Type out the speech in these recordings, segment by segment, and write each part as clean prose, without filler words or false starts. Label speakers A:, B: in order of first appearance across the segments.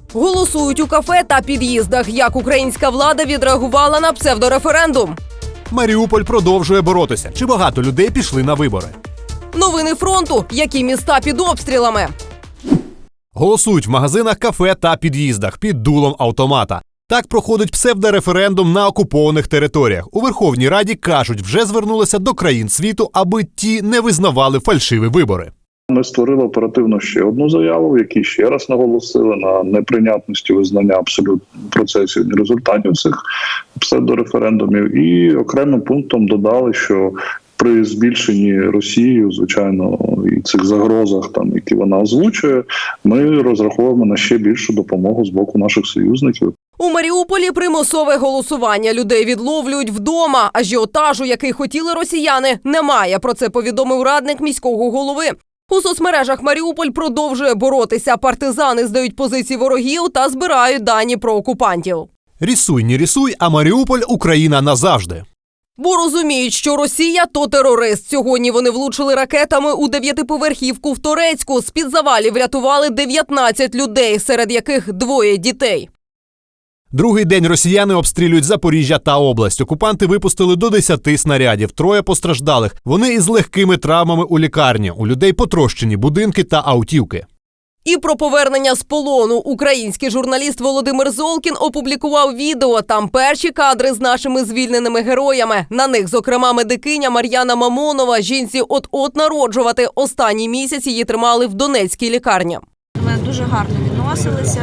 A: Голосують у кафе та під'їздах. Як українська влада відреагувала на псевдореферендум?
B: Маріуполь продовжує боротися. Чи багато людей пішли на вибори?
A: Новини фронту. Які міста під обстрілами?
B: Голосують в магазинах, кафе та під'їздах під дулом автомата. Так проходить псевдореферендум на окупованих територіях. У Верховній Раді кажуть, вже звернулися до країн світу, аби ті не визнавали фальшиві вибори.
C: Ми створили оперативно ще одну заяву, в якій ще раз наголосили на неприйнятності визнання абсолютно процесів і результатів цих псевдореферендумів. І окремим пунктом додали, що при збільшенні Росією, звичайно, і цих загрозах, які вона озвучує, ми розраховуємо на ще більшу допомогу з боку наших союзників.
A: У Маріуполі примусове голосування. Людей відловлюють вдома. Ажіотажу, який хотіли росіяни, немає. Про це повідомив радник міського голови. У соцмережах Маріуполь продовжує боротися. Партизани здають позиції ворогів та збирають дані про окупантів.
B: Рісуй, не рісуй, а Маріуполь – Україна назавжди.
A: Бо розуміють, що Росія – то терорист. Сьогодні вони влучили ракетами у 9-поверхівку в Торецьку. З-під завалів врятували 19 людей, серед яких 2 дітей.
B: Другий день росіяни обстрілюють Запоріжжя та область. Окупанти випустили до 10 снарядів, 3 постраждалих. Вони із легкими травмами у лікарні. У людей потрощені будинки та автівки.
A: І про повернення з полону. Український журналіст Володимир Золкін опублікував відео. Там перші кадри з нашими звільненими героями. На них, зокрема, медикиня Мар'яна Мамонова. Жінці от-от народжувати. Останній місяць її тримали в Донецькій лікарні.
D: Ми дуже гарно відносилися.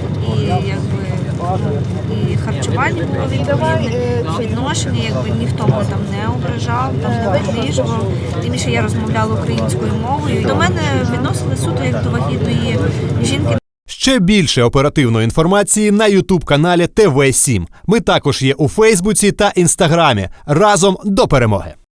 D: І харчування було відповідне, відношення, ніхто мене там не ображав, не принижував. Тим більше я розмовляла українською мовою. До мене відносили суто як до вагітної жінки.
B: Ще більше оперативної інформації на YouTube-каналі ТВ7. Ми також є у Фейсбуці та Інстаграмі. Разом до перемоги!